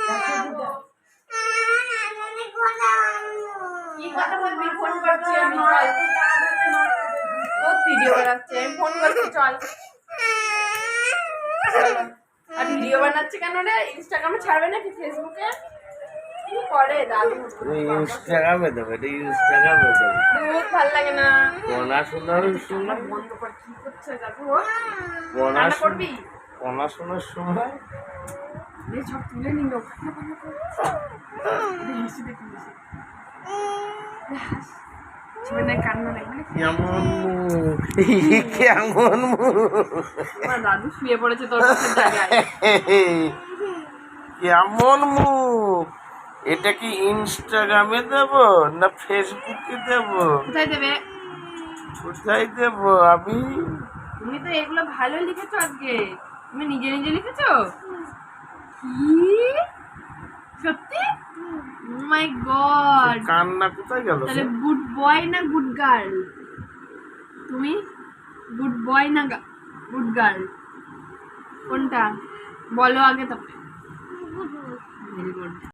কি কথা বলবি? ফোন করছি আমি, চল। বহুত ভিডিও বানাচ্ছে, আমি ফোন করছি, চল। আর ভিডিও বানাচ্ছে কেন রে? ইনস্টাগ্রামে ছাড়বে নাকি ফেসবুকে? কি করে দাদু? ইনস্টাগ্রামে দেবে, ইনস্টাগ্রামে দেবে। বহুত ভালো লাগে না। পড়াশোনার সময় বন্ধ কর, কি করছে দাদু? পড়াশোনা পড়াশোনার সময় সব তুলে নিল। হেসে দেখি, কান্না নাই মানে কেমন মুখ, কেমন মুখ, দাদু শুয়ে পড়েছে তোর পাশের জায়গায়। কেমন মুখ। এটা কি ইনস্টাগ্রামে দেব না ফেসবুকে দেব? কোথায় দেবে? কোথায় দেব আমি? তুমি তো এগুলো ভালো লিখেছো আজকে। তুমি নিজে নিজে লিখেছো? কি সত্যি? Oh my god. কান্না কোথায় গেল? তাহলে গুড বয় না গুড গার্ল? তুমি গুড বয় না গুড গার্ল, কোনটা বলো আগে? তারপরে ভেরি গুড।